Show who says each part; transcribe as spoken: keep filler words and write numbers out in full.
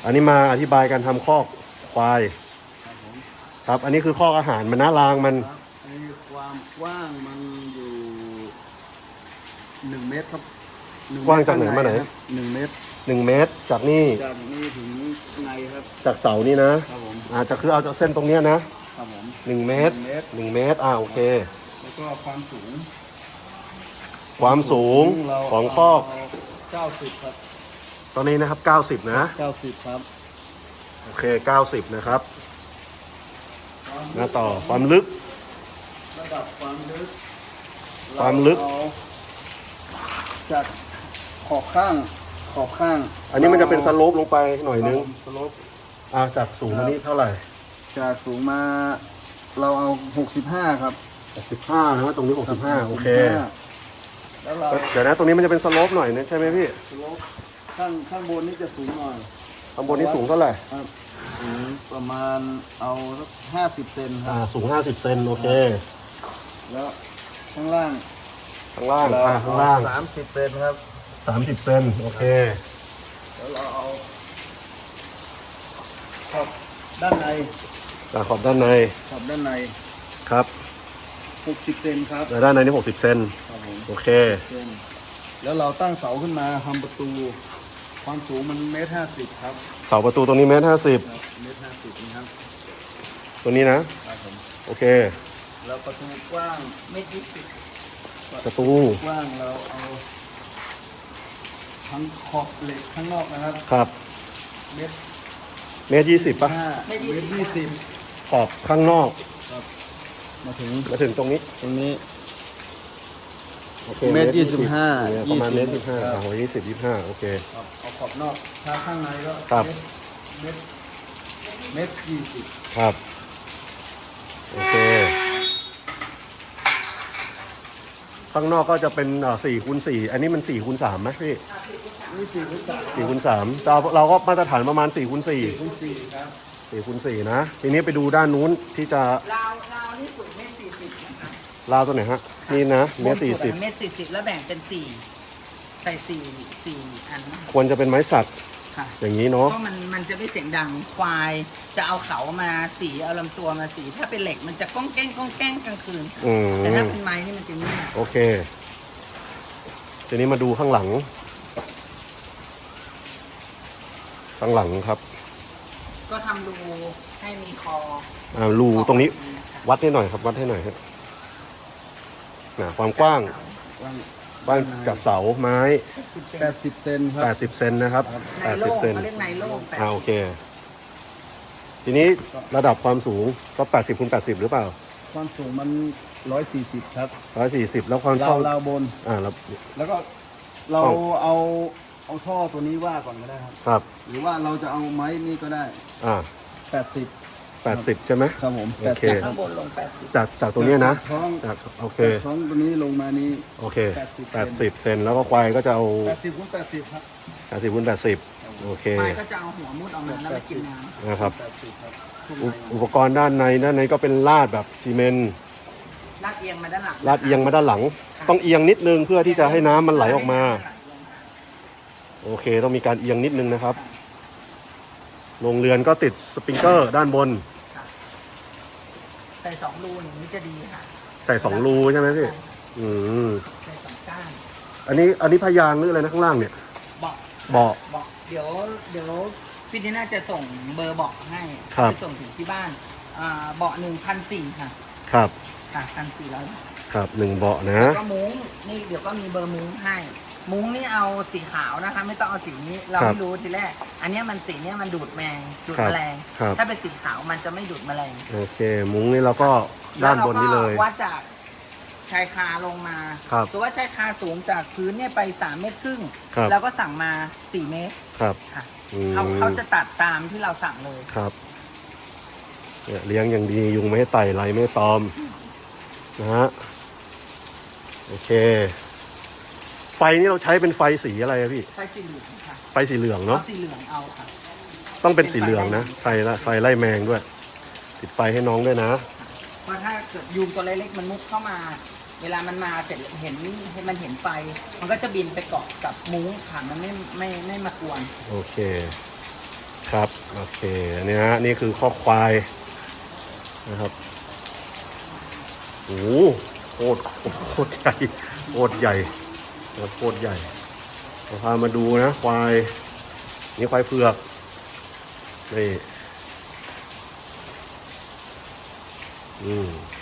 Speaker 1: อันนี้มาอธิบายการทำคอกควาย
Speaker 2: ครับผม
Speaker 1: ครับอันนี้คือคอกอาหารมันนะรางมัน
Speaker 2: ครับอันนี้ความกว้างมันอยู่หนึ่งเมตรครับ
Speaker 1: กว้างจากไหนมาไหน
Speaker 2: หนึ่งเมตร
Speaker 1: หนึ่งเมตรจากนี่
Speaker 2: จากนี่ถึงในครับ
Speaker 1: จากเสานี่นะครับ
Speaker 2: ผม
Speaker 1: อาจจะคือเอาจากเส้นตรงเนี้ยนะครับ
Speaker 2: ผม
Speaker 1: หนึ่งเมตรหนึ่งเมตรอ่าโอเค
Speaker 2: แล้วก็ความสูง
Speaker 1: ความสูงของคอก
Speaker 2: เก้าสิบครับ
Speaker 1: ตอนนี้นะครับเก้าสิบนะ
Speaker 2: เก้าสิบครับ
Speaker 1: โอเคเก้าสิบนะครับมาต่อความลึก
Speaker 2: ระดับความลึก
Speaker 1: ความลึก
Speaker 2: จากขอบข้างขอบข้าง
Speaker 1: อันนี้มันจะเป็นสโลปลงไปหน่อยนึง
Speaker 2: สโลป
Speaker 1: อ่าจากสูงอันนี้เท่าไหร่
Speaker 2: จากสูงมาเราเอาหกสิบห้าครับ
Speaker 1: หกสิบห้านะตรงนี้หกสิบห้าโอเค
Speaker 2: แล้วเรา
Speaker 1: เดี๋ยวนะตรงนี้มันจะเป็นสโลปหน่อยนะใช่ไหมพี่
Speaker 2: สโลปข้างข้างบนนี้จะสูงหน่อย
Speaker 1: ข้างบนนี้สูงเท่าไหร่
Speaker 2: ครับสูงประมาณเอาสักห้าสิบเซนครับ
Speaker 1: อ่าสูงห้าสิบเซนโอเค
Speaker 2: แล้วข้างล่าง
Speaker 1: ข้างล่างอ่าข้างล่าง
Speaker 2: สามสิบเซนครับ
Speaker 1: สามสิบเซนโอเค
Speaker 2: แล้วเราเอาขอบด้านใน
Speaker 1: ขอบด้านใน
Speaker 2: ขอบด้านใน
Speaker 1: ครับ
Speaker 2: หกสิบเซนครับ
Speaker 1: ด้านในนี่หกสิบเซนโอเค
Speaker 2: แล้วเราตั้งเสาขึ้นมาทำประตูความสูงมันเมตรห้าสิบครับ
Speaker 1: เสาประตูตรงนี้เมตรห้าสิบ
Speaker 2: เมตรห้าสิบนะครับ
Speaker 1: ตัวนี้นะครับ
Speaker 2: ผม
Speaker 1: โอเค
Speaker 2: แล้วประตูกว้างเมตรยี่สิบ
Speaker 1: ประตู
Speaker 2: กว้างเราเอาทั้งขอบเหล็กข้างนอกนะครับ
Speaker 1: ครับ
Speaker 2: เมตร
Speaker 1: เมตรยี่สิบป่ะ
Speaker 2: เมตรยี่สิบ
Speaker 1: ขอบข้างนอก
Speaker 2: ครับมาถึง
Speaker 1: มาถึงตรงนี้
Speaker 2: ตรงนี้
Speaker 1: เมตรยี่สิบ
Speaker 2: ห้า
Speaker 1: ประมาณเมตรยี่สิบห้าโอ้ยยี่สิบยี่สิบห้าโอเค
Speaker 2: เอาขอบนอกถ้าข้างในก็
Speaker 1: ครับ
Speaker 2: เมตรเมตรยี่สิบ
Speaker 1: ครับโอเคข้างนอกก็จะเป็นสี่คูณสี่อันนี้มันสี่คูณสามไหมพี่
Speaker 2: นี่สี่คูณสาม
Speaker 1: สี่คูณสามเราก็มาตรฐานประมาณสี่คูณสี่
Speaker 2: คูณสี่ครับ
Speaker 1: สี่คูณสี่นะทีนี้ไปดูด้านนู้นที่จะ
Speaker 3: ราวราวที่สุดเมตรสี่สิบนะคะ
Speaker 1: ราวตัวไหนฮะนี่นะเมตรสี่สิบ
Speaker 3: เมตรสี่สิบแล้วแบ่งเป็นสี่ใส่สี่สี่อัน
Speaker 1: ควรจะเป็นไม้สักอย่างนี้เนาะ
Speaker 3: เพราะมันมันจะไม่เสียงดังควายจะเอาเขามาสีเอาลำตัวมาสีถ้าเป็นเหล็กมันจะก้องแก้งก้องแก้งกลางคืนแต่ถ้าเป็นไม้นี่มันจะนิ่ม
Speaker 1: โอเคทีนี้มาดูข้างหลังข้างหลังครับ
Speaker 3: ก็ทำรูให้มีคอ
Speaker 1: อ่ารูตรงนี้วัดให้หน่อยครับวัดให้หน่อยครับนะความกว้างบ้านกับเสาไม้
Speaker 2: แปดสิบเซนครับ
Speaker 1: แปดสิบเซนนะครับแปดสิบเซน
Speaker 3: เรียกไนโล่
Speaker 1: อ่าโอเคทีนี้ระดับความสูงก็แปดสิบคูณแปดสิบหรือเปล่า
Speaker 2: ความสูงมันร้อยสี่สิบครับ
Speaker 1: ร้อยสี่สิบแล้วความ
Speaker 2: ช่องราวบน
Speaker 1: อ่าแล้ว
Speaker 2: แล้วก็เราเอาเอาท่อตัวนี้ว่าก่อนก็ได้ครับ
Speaker 1: ครับ
Speaker 2: หรือว่าเราจะเอาไม้นี่ก็ได้
Speaker 1: อ่า
Speaker 2: แปดสิบ
Speaker 1: แปดสิบใช่ไหม
Speaker 2: ครับผม
Speaker 1: โอเค
Speaker 3: ข้างบนลงแปดสิบ
Speaker 1: จากจากตรงนี้นะ
Speaker 2: ท้อง
Speaker 1: จากโอเค
Speaker 2: ท้องตัวนี้ลงมานี้
Speaker 1: โอเคแปดสิบเซนแล้วก็ควายก็จะเอา
Speaker 2: แปดสิบคูณแปดสิบครับ
Speaker 1: แปดสิบคูณแปดสิบโอเค
Speaker 3: ควายก็จะเอาหัวมุดออกมาแล้วไปกินน้ำ
Speaker 1: นะครับอุปกรณ์ด้านในด้านในก็เป็นลาดแบบซีเมนต์
Speaker 3: ลาดเอียงมาด้านหลัง
Speaker 1: ลาดเอียงมาด้านหลังต้องเอียงนิดนึงเพื่อที่จะให้น้ำมันไหลออกมาโอเคต้องมีการเอียงนิดนึงนะครับโรงเรือนก็ติดสปริงเกอร์ด้านบน
Speaker 3: ใส่สองรูอย่างนี้จะดีค่ะ
Speaker 1: ใส่สองรูใช่ไหมพี่อืม
Speaker 3: ใส่สองก้าน
Speaker 1: อันนี้อันนี้พยางหรืออะไรนะข้างล่างเนี่ย
Speaker 3: เบาะ
Speaker 1: เบาะ
Speaker 3: เบาะเดี๋ยวเดี๋ยวพี่ทีน่าจะส่งเบอร์เบาะให้ไปส่งถึงที่บ้านอ่าเบาะหนึ่งพันสี่ค่ะ
Speaker 1: ครับ
Speaker 3: ค่ะพันสี่ร้อย
Speaker 1: ครับหนึ่งเบาะนะ
Speaker 3: แล้วก็มุ้งนี่เดี๋ยวก็มีเบอร์มุ้งให้มุ้งนี่เอาสีขาวนะคะไม่ต้องเอาสีนี้เราไม่รู้ทีแรกอันนี้มันสีนี้มันดูดแมงดูดแมลงถ้าเป็นสีขาวมันจะไม่ดูดแมลง
Speaker 1: โอเคมุ้งนี่เราก็ด้านบนนี้เลย
Speaker 3: วัดจากชายคาลงมาตัวว่าชายคาสูงจากพื้นเนี่ยไปสามเมตรครึ่งแล้วก็สั่งมาสี่เมตร
Speaker 1: ครับ
Speaker 3: ค่ะเขาเขาจะตัดตามที่เราสั่งเลย
Speaker 1: ครับเนี่ยเลี้ยงอย่างดียุงไม่ให้ไต่ไรไม่ตอมนะฮะโอเคไฟนี่เราใช้เป็นไฟสีอะไรอะพี่
Speaker 3: ไฟสีเหลืองค่ะ
Speaker 1: ไฟสีเหลืองเนาะ
Speaker 3: สีเหลืองเอาค่ะ
Speaker 1: ต้องเป็นสีเหลืองนะไฟละไฟไล่แมงด้วยติดไฟให้น้องด้วยนะ
Speaker 3: เพราะถ้าเกิดยุงตัวเล็กๆมันมุดเข้ามาเวลามันมาเสร็จเห็นให้มันเห็นไฟมันก็จะบินไปเกาะกับมุ้งค่ะมันไม่ไม่ไม่มากวน
Speaker 1: โอเคครับโอเคอันนี้ฮะนี่คือข้อควายนะครับโอ้โหโคตรโคตรใหญ่โคตรใหญ่โคตรใหญ่เราพามาดูนะควายนี่ควายเผือกนี่อืม